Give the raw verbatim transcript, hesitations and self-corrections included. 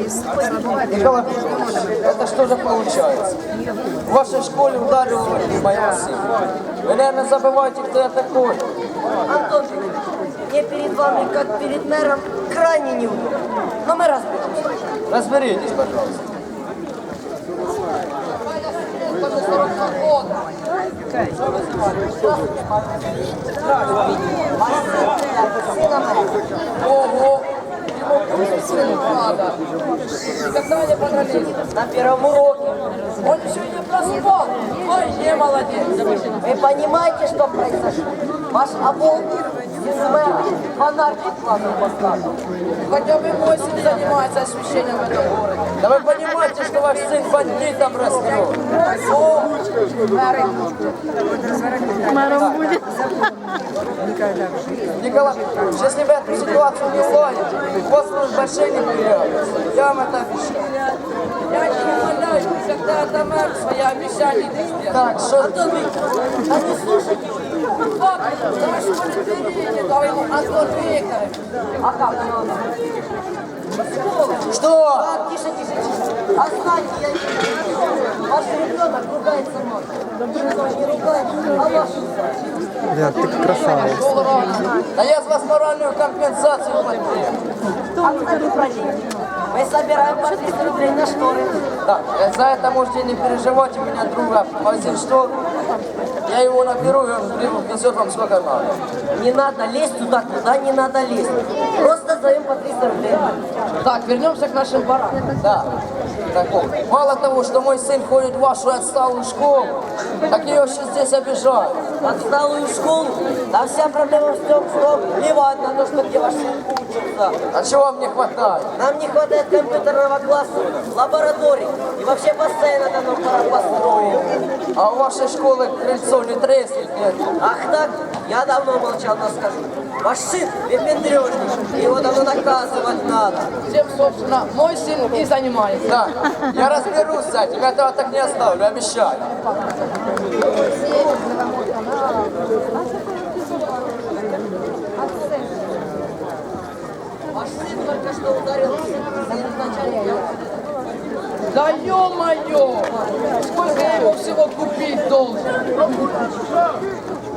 Николай Петрович, это что же получается? В вашей школе ударили моего сына. Вы, наверное, забываете, кто я такой. Антон, мне перед вами, как перед мэром, крайне неудобно. Но мы разберемся. Разберитесь, пожалуйста. Ого! Ему надо. И когда они подрались? На первом уроке. Он еще не проспал. Ой, не молодец. Вы понимаете, что произошло? Ваш обол из мэра фонарик классом поставил. Хотя бы мой сын занимается освещением в этом городе. Да вы понимаете, что ваш сын бандитом растет? О, мэры. Мэром будет. Николай Петрович, если вы эту ситуацию не уладите, у вас будут большие неприятности. Я вам это обещаю. Я не умоляю, когда это мэр свои обещания не сделал. Так, что... Антон Викторович, а не слушайте. Вот, давай школе перейдем, давай ему Антон Викторович. А как оно? Что? Так, тише, тише, тише. А знаете, я не знаю. Ваш ребенок ругается мной. Никто не ругается, а вашу задачу. Ребят, ты красавец. Да я с вас моральную компенсацию потребую. А кстати, про деньги. Мы собираем по триста рублей на шторы. Так, за это можете не переживать, у меня друга магазин штор. Я его наберу, и он везет вам сколько надо. Не надо лезть туда, куда не надо лезть. Просто даем по триста рублей. Так, вернемся к нашим баранам. Да. Так вот, мало того, что мой сын ходит в вашу отсталую школу, так ее еще здесь обижают. Отсталую школу. Да вся проблема в том, что плевать на то, что где ваш сын учится. А чего вам не хватает? Нам не хватает компьютерного класса, лабораторий и вообще бассейна давно пора построить. А у вашей школы крыльцо не треснет, нет? Ах так, я давно молчал, но скажу. Ваш сын выпендрежник, его давно наказывать надо. Тем, собственно, мой сын и занимается. Да, я разберусь с этим, я этого так не оставлю, обещаю. Ваш сын только что ударил начальника. Да ё-моё! Сколько я его всего купить должен?